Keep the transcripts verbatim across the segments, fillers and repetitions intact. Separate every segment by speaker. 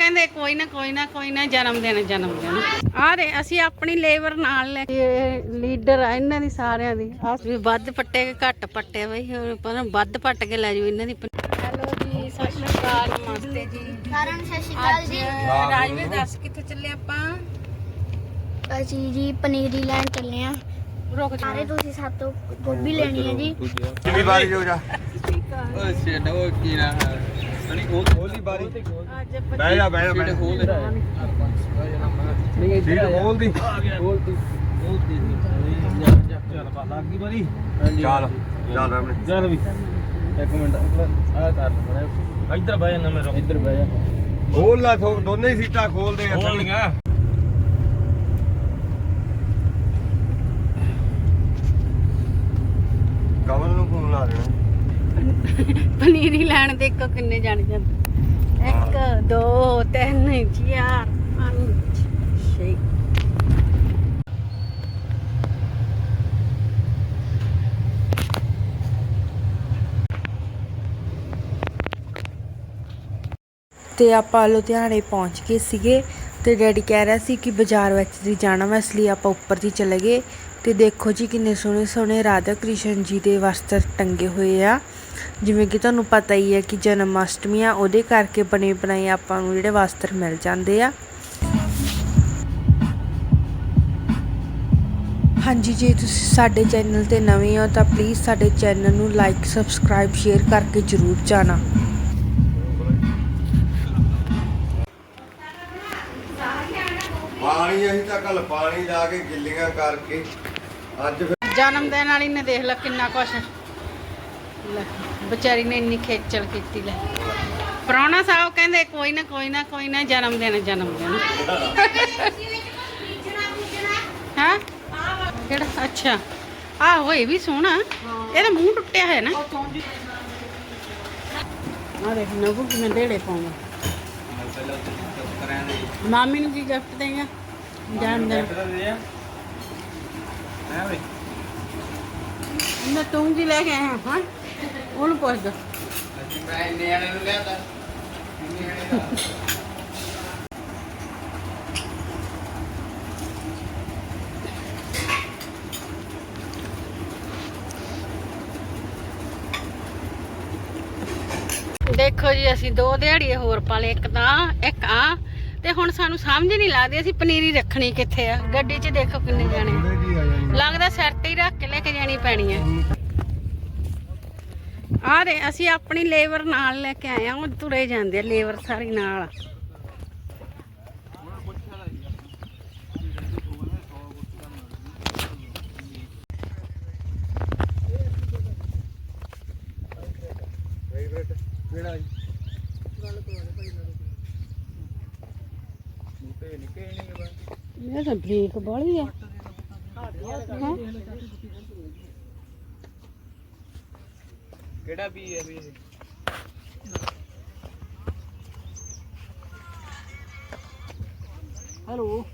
Speaker 1: ਕਹਿੰਦੇ ਕੋਈ ਨਾ ਕੋਈ ਨਾ ਕੋਈ ਨਾ ਜਨਮ ਦਿਨ ਜਨਮ ਦਿਨ ਆ ਦੇ ਅਸੀਂ ਆਪਣੀ ਲੇਬਰ ਨਾਲ ਲੈ ਕੇ ਲੀਡਰ ਆ ਇਹਨਾਂ ਦੀ ਸਾਰਿਆਂ ਦੀ ਆ ਵੀ ਵੱਧ ਪੱਟੇ ਕੇ ਘੱਟ ਪੱਟੇ ਬਈ ਪਰ ਵੱਧ ਪੱਟ ਕੇ ਲੈ ਜਾਓ ਇਹਨਾਂ ਦੀ। ਹੈਲੋ ਜੀ ਸਤਿ ਸ਼੍ਰੀ ਅਕਾਲ ਨਮਸਤੇ ਜੀ
Speaker 2: ਸਾਰਿਆਂ ਨੂੰ ਸਤਿ ਸ਼੍ਰੀ ਅਕਾਲ ਜੀ।
Speaker 1: ਰਾਜਵੀਰ ਦੱਸ ਕਿੱਥੇ ਚੱਲੇ ਆਪਾਂ?
Speaker 2: ਅਸੀਂ ਜੀ ਪਨੀਰੀ ਲੈਣ ਚੱਲੇ ਆ।
Speaker 1: ਰੁਕ
Speaker 2: ਸਾਰੇ ਤੁਸੀਂ ਸਾਤੋਂ ਗੋਭੀ ਲੈਣੀ ਹੈ ਜੀ।
Speaker 3: ਕਿੰਨੀ ਵਾਰੀ ਹੋ ਜਾ
Speaker 4: ਓਏ ਛੇੜ ਉਹ ਕੀ ਨਾ ਸਣੀ ਉਹ
Speaker 3: ਹੋਲੀ ਬਾਰੀ
Speaker 1: ਅੱਜ
Speaker 3: ਬਹਿ ਜਾ ਬਹਿ ਜਾ ਬਹਿ ਜਾ
Speaker 4: ਖੋਲ ਦੇ
Speaker 3: ਸੀਟ ਖੋਲ ਦੀ
Speaker 4: ਖੋਲ ਦੀ ਖੋਲ ਦੀ ਚੱਲ ਪਾ ਲੱਗ ਗਈ ਬਾਰੀ
Speaker 3: ਚੱਲ ਚੱਲ ਰਮਣੇ
Speaker 4: ਚੱਲ ਵੀ ਇੱਕ ਮਿੰਟ ਆ ਕਰ ਲੈ ਇੱਧਰ ਬਹਿ ਜਾ ਮੇਰਾ ਇੱਧਰ ਬਹਿ ਜਾ
Speaker 3: ਖੋਲ ਲਾ ਦੋਨੇ ਹੀ ਸੀਟਾਂ ਖੋਲ ਦੇ
Speaker 4: ਖੋਲ ਲਿਆ
Speaker 3: ਕਮਲ ਨੂੰ ਫੋਨ ਲਾ ਦੇਣਾ
Speaker 1: ਪਨੀਰੀ ਲੈਣ ਦੇ ਇੱਕ ਕਿੰਨੇ ਜਾਣੇ ਜਾਂਦੇ? ਇੱਕ ਦੋ ਤਿੰਨ ਚਾਰ ਪੰਜ ਛੇ।
Speaker 5: ਤੇ ਆਪਾਂ ਲੁਧਿਆਣੇ ਪਹੁੰਚ ਗਏ ਸੀਗੇ ਤੇ ਡੈਡੀ ਕਹਿ ਰਿਹਾ ਸੀ ਕਿ ਬਾਜ਼ਾਰ ਵਿੱਚ ਦੀ ਜਾਣਾ ਵਾ, ਇਸ ਲਈ ਆਪਾਂ ਉੱਪਰ ਦੀ ਚਲੇ ਗਏ। ਤੇ ਦੇਖੋ ਜੀ ਕਿੰਨੇ ਸੋਹਣੇ ਸੋਹਣੇ ਰਾਧਾ ਕ੍ਰਿਸ਼ਨ ਜੀ ਦੇ ਵਸਤਰ ਟੰਗੇ ਹੋਏ ਆ। ਜਿਵੇਂ ਕਿ ਤੁਹਾਨੂੰ ਪਤਾ ਹੀ ਹੈ ਕਿ ਜਨਮ ਅਸ਼ਟਮੀ ਆ, ਉਹਦੇ ਕਰਕੇ ਬਣੇ ਬਣਾਏ ਆਪਾਂ ਨੂੰ ਜਿਹੜੇ ਵਸਤਰ ਮਿਲ ਜਾਂਦੇ ਆ। ਹਾਂਜੀ ਜੇ ਤੁਸੀਂ ਸਾਡੇ ਚੈਨਲ ਤੇ ਨਵੇਂ ਹੋ ਤਾਂ ਪਲੀਜ਼ ਸਾਡੇ ਚੈਨਲ ਨੂੰ ਲਾਈਕ ਸਬਸਕ੍ਰਾਈਬ ਸ਼ੇਅਰ ਕਰਕੇ ਜ਼ਰੂਰ ਜਾਣਾ।
Speaker 3: ਪਾਣੀ ਅਸੀਂ ਤਾਂ ਕੱਲ ਪਾਣੀ ਲਾ ਕੇ ਗਿੱਲੀਆਂ ਕਰਕੇ ਅੱਜ ਫਿਰ
Speaker 1: ਜਨਮ ਦਿਨ ਵਾਲੀ ਨੇ ਦੇਖ ਲੈ ਕਿੰਨਾ ਕੁਛ ਲੈ ਵਿਚਾਰੀ ਨੇ ਇੰਨੀ ਖੇਚਲ ਕੀਤੀ ਲੈ। ਪ੍ਰਾਹੁਣਾ ਸਾਹਿਬ ਕਹਿੰਦੇ ਕੋਈ ਨਾ ਕੋਈ ਨਾ ਕੋਈ ਨਾ ਜਨਮ ਦਿਨ ਜਨਮ ਦਿਨ ਹਾਂ ਕਿਹੜਾ ਅੱਛਾ ਆਹੋ ਇਹ ਵੀ ਸੋਹਣਾ ਇਹਦਾ ਮੂੰਹ ਟੁੱਟਿਆ ਹੈ ਨਾ। ਆ ਦੇਖ ਨਗੂ ਕਿਵੇਂ ਢੇੜੇ ਪਾਉਂਦਾ। ਮਾਮੀ ਨੂੰ ਕੀ ਗਿਫਟ ਦੇਗਾ ਜਨਮ ਦਿਨ? ਮੈਂ ਤੂੰ ਕੀ ਲੈ ਕੇ ਆਇਆ ਹਾਂ ਉਹਨੂੰ ਪੁੱਛਦਾ।
Speaker 4: ਮੈਂ ਨਿਆਣੇ ਨੂੰ ਲਿਆਂਦਾ
Speaker 1: ਦੇਖੋ ਜੀ ਅਸੀਂ ਦੋ ਦਿਹਾੜੀਏ ਹੋਰ ਪਾਲੇ, ਇੱਕ ਤਾਂ ਇੱਕ ਆ ਤੇ ਹੁਣ ਸਾਨੂੰ ਸਮਝ ਨਹੀਂ ਲੱਗਦੀ ਅਸੀਂ ਪਨੀਰੀ ਰੱਖਣੀ ਕਿੱਥੇ ਆ। ਗੱਡੀ 'ਚ ਦੇਖੋ ਕਿੰਨੇ ਜਾਣੇ ਲੱਗਦਾ ਸਿਰ ਤੇ ਹੀ ਰੱਖ ਕੇ ਲੈ ਕੇ ਜਾਣੀ ਪੈਣੀ ਹੈ। ਆ ਦੇ ਅਸੀਂ ਆਪਣੀ ਲੇਬਰ ਨਾਲ ਲੈ ਕੇ ਆਏ ਆ, ਉਹ ਤੁਰੇ ਜਾਂਦੇ ਆ ਲੇਬਰ ਸਾਰੀ ਨਾਲ।
Speaker 4: ਕਿਹੜਾ ਜੀ ਗੱਲ ਕਰਵਾ ਦੇ ਭਾਈ ਨਾਲ ਬੂਟੇ ਨਿੱਕੇ ਨਹੀਂ ਬਾ
Speaker 1: ਇਹ ਤਾਂ ਬ੍ਰੇਕ ਬਾਲੀ ਆ।
Speaker 4: ਕਿਹੜਾ ਵੀ ਹੈ ਵੀ ਹੈਲੋ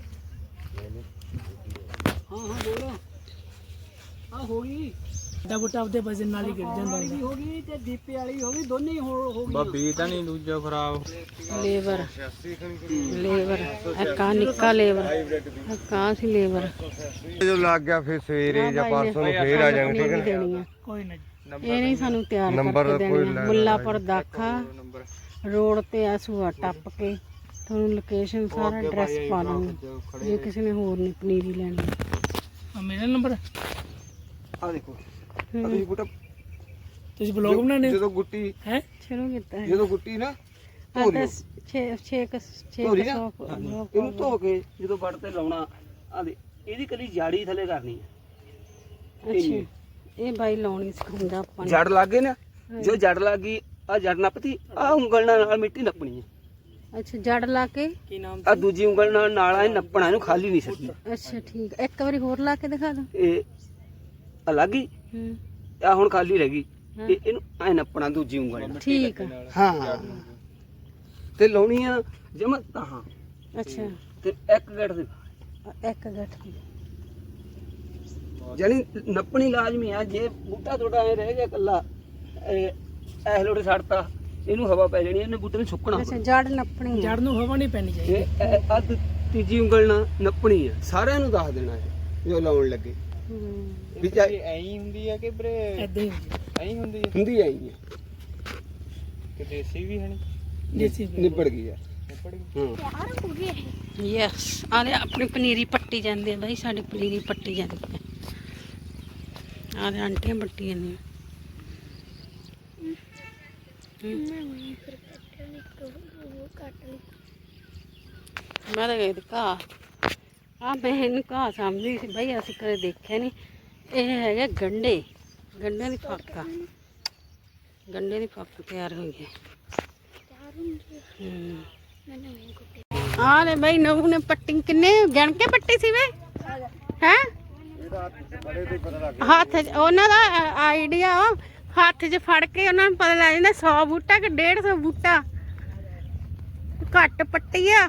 Speaker 4: ਹਾਂ ਹਾਂ ਬੋਲੋ ਆ ਹੋ ਗਈ ਦਾ ਬੁੱਟਾ ਉਹਦੇ ਵਜਨ ਨਾਲ ਹੀ ਗਿਰ ਜਾਂਦਾ ਹੁੰਦਾ ਹੋ ਗਈ ਤੇ ਦੀਪੇ ਵਾਲੀ ਹੋ ਗਈ ਦੋਨੇ ਹੀ ਹੋ ਗਈ ਬੱਬੀ ਤਾਂ ਨਹੀਂ ਦੂਜਾ ਖਰਾਬ
Speaker 1: ਲੇਬਰ ਲੇਬਰ ਇੱਕ ਆ ਨਿੱਕਾ ਲੇਬਰ ਇੱਕ ਆ ਸੀ ਲੇਬਰ
Speaker 3: ਜਦੋਂ ਲੱਗ ਗਿਆ ਫਿਰ ਸਵੇਰੇ ਜਾਂ ਪਰਸੋਂ ਨੂੰ ਫੇਰ ਆ ਜਾਣਗੇ ਠੀਕ
Speaker 1: ਦੇਣੀ ਆ
Speaker 4: ਕੋਈ ਨਹੀਂ
Speaker 1: ਇਹ ਨਹੀਂ ਸਾਨੂੰ ਤਿਆਰ ਕਰਕੇ ਦੇਣੀ ਆ। ਮੁੱਲਾਪੁਰ ਦਾਖਾ ਰੋਡ ਤੇ ਆ ਸੂਆ ਟੱਪ ਕੇ ਤੁਹਾਨੂੰ ਲੋਕੇਸ਼ਨ ਸਾਰਾ ਐਡਰੈਸ ਪਾ ਦਾਂਗੇ ਜੇ ਕਿਸੇ ਨੇ ਹੋਰ ਨਹੀਂ ਪਨੀਰੀ ਲੈਣੀ।
Speaker 4: ਆ ਮੇਰਾ ਨੰਬਰ
Speaker 3: ਆ ਦੇਖੋ ਤੁਸੀਂ ਬੁੱਟਾ
Speaker 4: ਤੁਸੀਂ ਬਲੌਗ ਬਣਾਉਂਦੇ
Speaker 3: ਜਦੋਂ ਗੁੱਟੀ
Speaker 4: ਹੈ
Speaker 1: ਸ਼ੁਰੂ ਕੀਤਾ ਹੈ
Speaker 3: ਜਦੋਂ ਗੁੱਟੀ ਨਾ
Speaker 1: ਆ ਤਾਂ ਛੇ ਛੇ ਛੇ
Speaker 4: ਇਹਨੂੰ ਧੋ ਕੇ ਜਦੋਂ ਵੱਟ ਤੇ ਲਾਉਣਾ ਆ ਦੇ ਇਹਦੀ ਕਲੀ ਜਾੜੀ ਥੱਲੇ ਕਰਨੀ ਹੈ।
Speaker 1: ਅੱਛਾ ਇਹ ਬਾਈ ਲਾਉਣੀ ਸਿਖਾਉਂਦਾ ਆਪਾਂ ਨੂੰ।
Speaker 4: ਜੜ ਲੱਗ ਗਏ ਨਾ ਜੋ ਜੜ ਲੱਗ ਗਈ ਆ ਜੜ ਨੱਪਤੀ ਆ ਉਂਗਲ ਨਾਲ ਮਿੱਟੀ ਨੱਪਣੀ ਹੈ।
Speaker 1: ਅੱਛਾ ਜੜ ਲਾ ਕੇ ਕੀ ਨਾਮ
Speaker 4: ਆ ਦੂਜੀ ਉਂਗਲ ਨਾਲ ਨਾਲਾ ਨੱਪਣਾ ਇਹਨੂੰ ਖਾਲੀ ਨਹੀਂ ਛੱਡਣਾ।
Speaker 1: ਅੱਛਾ ਠੀਕ ਇੱਕ ਵਾਰੀ ਹੋਰ ਲਾ ਕੇ ਦਿਖਾ ਦੋ।
Speaker 4: ਇਹ ਅਲੱਗ ਹੀ
Speaker 1: ਹੂੰ
Speaker 4: ਆ ਹੁਣ ਖਾਲੀ ਰਹਿ ਗਈ ਇਹ ਇਹਨੂੰ ਐ ਨੱਪਣਾ ਦੂਜੀ ਉਂਗਲ ਨਾਲ।
Speaker 1: ਠੀਕ ਆ
Speaker 4: ਹਾਂ ਤੇ ਲਾਉਣੀ ਆ ਜਮਾ ਤਾਂ
Speaker 1: ਅੱਛਾ
Speaker 4: ਤੇ ਇੱਕ ਗੱਠ ਦੇ
Speaker 1: ਇੱਕ ਗੱਠ ਦੀ
Speaker 4: ਜਾਨੀ ਨੱਪਣੀ ਲਾਜ਼ਮੀ ਆ। ਜੇ ਬੂਟਾ ਤੁਹਾਡਾ ਐ ਰਹਿ ਗਿਆ ਕੱਲਾ ਇਹ ਲੋੜੇ ਛੱਡਤਾ
Speaker 6: ਇਹਨੂੰ ਹਵਾ ਪੈ ਜਾਣੀ, ਇਹਨੇ ਬੂਟੇ ਨੂੰ ਸੁੱਕਣਾ।
Speaker 1: ਅੱਛਾ ਜੜ ਨੱਪਣੀ ਆ।
Speaker 4: ਜੜ ਨੂੰ ਹਵਾ ਨਹੀਂ ਪੈਣੀ ਚਾਹੀਦੀ।
Speaker 6: ਇਹ ਅੱਧ ਤੀਜੀ ਉਂਗਲ ਨਾਲ ਨੱਪਣੀ ਆ, ਸਾਰਿਆਂ ਨੂੰ ਦੱਸ ਦੇਣਾ ਹੈ ਜੋ ਲਾਉਣ ਲੱਗੇ।
Speaker 1: ਹੂੰ।
Speaker 6: ਵੀ ਚਾਹੇ
Speaker 3: ਐਂ ਹੁੰਦੀ ਆ ਕਿ ਵੀਰੇ
Speaker 4: ਐਦਾਂ ਹੀ ਹੁੰਦੀ
Speaker 3: ਐਂ ਹੁੰਦੀ ਆ
Speaker 6: ਹੁੰਦੀ ਆਈ ਹੈ
Speaker 3: ਕਿ ਦੇਸੀ ਵੀ ਹਣੀ
Speaker 4: ਦੇਸੀ ਵੀ।
Speaker 6: ਨਿਬੜ ਗਈ ਯਾਰ।
Speaker 3: ਨਿਪੜ ਗਈ।
Speaker 6: ਹਾਂ
Speaker 2: ਯਾਰ ਹੋ ਗਏ
Speaker 1: ਯੈਸ ਆਲੇ ਆਪਣੀ ਪਨੀਰੀ ਪੱਟੀ ਜਾਂਦੀ ਹੈ ਬਾਈ, ਸਾਡੀ ਪਨੀਰੀ ਪੱਟੀ ਜਾਂਦੀ ਹੈ। ਆਲੇ ਆਂਟੀਆਂ ਪੱਟੀ ਜਾਂਦੀਆਂ।
Speaker 2: ਮੈਂ ਵੀ ਫਿਰ ਕੱਟ ਲਈ ਉਹ ਕੱਟ ਲਈ
Speaker 1: ਮੈਂ ਤਾਂ ਗਈ ਘਾਹ ਆ, ਮੈਂ ਇਹਨੂੰ ਘਾਹ ਸਮਝਦੀ ਸੀ ਬਾਈ, ਅਸੀਂ ਕਦੇ ਦੇਖਿਆ ਨਹੀਂ। ਇਹ ਹੈਗੇ ਗੰਢੇ, ਗੰਢੇ ਦੀ ਫੱਕ ਆ, ਗੰਢੇ ਦੀ ਫੱਕ ਤਿਆਰ ਹੋਈ ਹੈ।
Speaker 2: ਤਿਆਰ ਹੁੰਦੀ ਹੈ
Speaker 1: ਹੂੰ
Speaker 2: ਮੈਂ ਨਵੇਂ ਕੁੱਤੇ
Speaker 1: ਆ ਲੈ ਬਾਈ ਨਵੂ ਨੇ ਪੱਟੀ ਕਿੰਨੇ ਗਿਣ ਕੇ ਪੱਟੀ ਸੀ ਵੇ ਹੈ ਹੱਥ 'ਚ ਉਹਨਾਂ ਦਾ ਆਈਡੀਆ ਹੱਥ 'ਚ ਫੜ ਕੇ ਉਹਨਾਂ ਨੂੰ ਪਤਾ ਲੱਗ ਜਾਂਦਾ ਸੌ ਬੂਟਾ ਕਿ ਡੇਢ ਸੌ ਬੂਟਾ ਘੱਟ ਪੱਟੀ ਆ।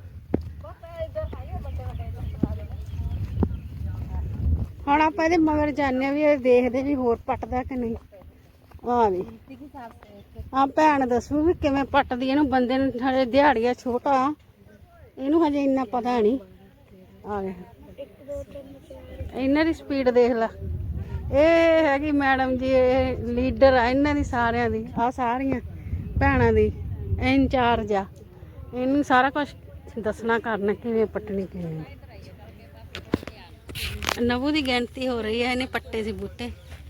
Speaker 1: ਹੁਣ ਆਪਾਂ ਇਹਦੇ ਮਗਰ ਜਾਂਦੇ ਆ ਵੀ ਇਹ ਦੇਖਦੇ ਵੀ ਹੋਰ ਪੱਟਦਾ ਕਿ ਨਹੀਂ। ਆ ਵੀ ਆ ਭੈਣ ਦੱਸੂ ਵੀ ਕਿਵੇਂ ਪੱਟਦੀ ਇਹਨੂੰ, ਬੰਦੇ ਨੂੰ ਹਜੇ ਦਿਹਾੜੀਆ ਛੋਟਾ, ਇਹਨੂੰ ਹਜੇ ਇੰਨਾ ਪਤਾ ਨਹੀਂ। ਆ ਗਿਆ ਇਹਨਾਂ ਦੀ ਸਪੀਡ ਦੇਖ ਲਾ। ਇਹ ਹੈਗੀ ਮੈਡਮ ਜੀ, ਇਹ ਲੀਡਰ ਆ ਇਹਨਾਂ ਦੀ ਸਾਰਿਆਂ ਦੀ, ਆ ਸਾਰੀਆਂ ਭੈਣਾਂ ਦੀ ਇੰਚਾਰਜ ਆ। ਇਹਨੂੰ ਸਾਰਾ ਕੁਝ ਦੱਸਣਾ ਕਰਨਾ ਕਿਵੇਂ ਪੱਟਣੀ ਕਿਵੇਂ। ਨਵੂ ਦੀ ਗਿਣਤੀ ਹੋ ਰਹੀ ਹੈ, ਇਹਨੇ ਪੱਟੇ ਸੀ ਬੂਟੇ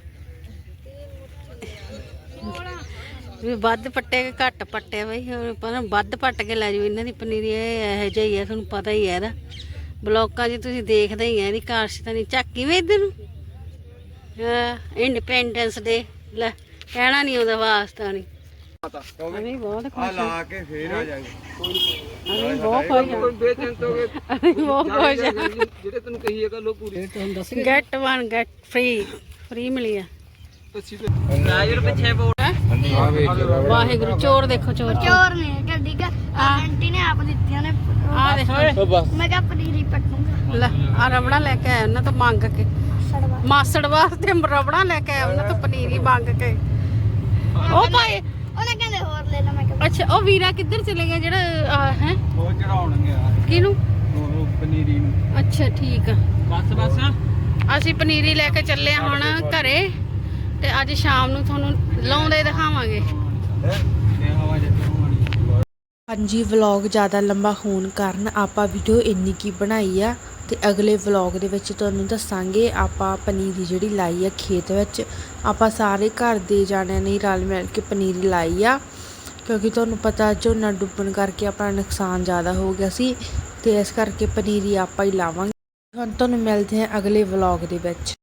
Speaker 1: ਵੀ ਵੱਧ ਪੱਟੇ ਕਿ ਘੱਟ ਪੱਟੇ ਬਈ, ਪਰ ਵੱਧ ਪੱਟ ਕੇ ਲੈ ਜਾਓ ਇਹਨਾਂ ਦੀ ਪਨੀਰੀ। ਇਹ ਇਹੋ ਜਿਹਾ ਹੀ ਹੈ, ਤੁਹਾਨੂੰ ਪਤਾ ਹੀ ਹੈ ਇਹਦਾ। ਬਲੋਕਾਂ 'ਚ ਤੁਸੀਂ ਦੇਖਦੇ ਹੀ ਆ ਇਹਦੀ ਕਾਰਸ਼ ਤਾਂ ਨਹੀਂ ਝਾਕੀ ਵੇ ਇੱਧਰ ਨੂੰ। ਇੰਡੀਪੈਂਡੈਂਸ ਡੇ ਲੈ ਕਹਿਣਾ ਨਹੀਂ ਉਹਦਾ ਵਾਸਤਾ ਨਹੀਂ। ਅਸੀਂ ਬਹੁਤ
Speaker 3: ਆ
Speaker 1: ਖੁਸ਼ ਹਾਂ,
Speaker 3: ਲਾ ਕੇ ਫੇਰ ਆ ਜਾਗੇ।
Speaker 1: ਅਸੀਂ ਬਹੁਤ ਖੁਸ਼ ਹਾਂ,
Speaker 6: ਬੇਚੈਂਤ ਹੋ ਗਏ
Speaker 1: ਅਸੀਂ ਬਹੁਤ ਖੁਸ਼ ਹਾਂ।
Speaker 6: ਜਿਹੜੇ ਤੈਨੂੰ ਕਹੀ ਗੱਲ ਉਹ ਪੂਰੀ।
Speaker 1: Get one get free, free ਮਿਲੀ ਆ।
Speaker 6: ਨਾਜ਼ਰ ਪਿੱਛੇ ਬੋਲ
Speaker 1: ਵਾਹਿਗੁਰੂ ਚੋਰ ਦੇਖੋ ਚੋਰ ਚੋਰ
Speaker 2: ਚੋਰ ਨੇ ਗੱਡੀ ਕਾ ਆਂਟੀ ਨੇ ਆਪ ਦਿੱਤੀਆਂ ਨੇ
Speaker 1: ਆ ਦੇਖੋ
Speaker 2: ਮੈਂ ਕਿਹਾ ਪਨੀਰੀ ਪੱਟੂਗਾ
Speaker 1: ਲੈ ਆ ਰਬੜਾ ਲੈ ਕੇ ਆਇਆ ਉਹਨਾਂ ਤੋਂ ਮੰਗ ਕੇ,
Speaker 2: ਸੜਵਾ
Speaker 1: ਮਾਸੜ ਵਾਸਤੇ ਰਬੜਾ ਲੈ ਕੇ ਆਇਆ ਉਹਨਾਂ ਤੋਂ ਪਨੀਰੀ ਮੰਗ ਕੇ। ਉਹ ਭਾਈ
Speaker 2: ਉਹਨੇ ਕਹਿੰਦੇ ਹੋਰ ਲੈ ਲੈ, ਮੈਂ ਕਿਹਾ
Speaker 1: ਅੱਛਾ ਉਹ ਵੀਰਾ ਕਿੱਧਰ ਚਲੇ ਗਿਆ ਜਿਹੜਾ ਹੈ
Speaker 3: ਉਹ ਚੜਾਉਣ ਗਿਆ
Speaker 1: ਕਿਹਨੂੰ?
Speaker 3: ਉਹ ਪਨੀਰੀ ਨੂੰ।
Speaker 1: ਅੱਛਾ ਠੀਕ ਆ।
Speaker 6: ਬਸ ਬਸ
Speaker 1: ਅਸੀਂ ਪਨੀਰੀ ਲੈ ਕੇ ਚੱਲੇ ਹਾਂ ਹੁਣ ਘਰੇ, ਤੇ ਅੱਜ ਸ਼ਾਮ ਨੂੰ ਤੁਹਾਨੂੰ ਲਾਉਂਦੇ ਦਿਖਾਵਾਂਗੇ।
Speaker 3: ਇਹ ਹਵਾ ਜਿੱਦਾਂ ਹੋਣੀ।
Speaker 5: ਹਾਂਜੀ ਵਲੌਗ ਜ਼ਿਆਦਾ ਲੰਬਾ ਹੋਣ ਕਾਰਨ ਆਪਾਂ ਵੀਡੀਓ ਇੰਨੀ ਕੀ ਬਣਾਈ ਆ, ਤੇ ਅਗਲੇ ਵਲੌਗ ਦੇ ਵਿੱਚ ਤੁਹਾਨੂੰ ਦੱਸਾਂਗੇ ਆਪਾਂ ਪਨੀਰੀ ਜਿਹੜੀ ਲਾਈ ਆ ਖੇਤ ਵਿੱਚ। ਆਪਾਂ ਸਾਰੇ ਘਰ ਦੇ ਜਾਣਿਆਂ ਨੇ ਰਲ ਮਿਲ ਕੇ ਪਨੀਰੀ ਲਾਈ ਆ, ਕਿਉਂਕਿ ਤੁਹਾਨੂੰ ਪਤਾ ਝੋਨਾ ਡੁੱਬਣ ਕਰਕੇ ਆਪਣਾ ਨੁਕਸਾਨ ਜ਼ਿਆਦਾ ਹੋ ਗਿਆ ਸੀ, ਤੇ ਇਸ ਕਰਕੇ ਪਨੀਰੀ ਆਪਾਂ ਹੀ ਲਾਵਾਂਗੇ। ਹੁਣ ਤੁਹਾਨੂੰ ਮਿਲਦੇ ਹਾਂ ਅਗਲੇ ਵਲੌਗ ਦੇ ਵਿੱਚ।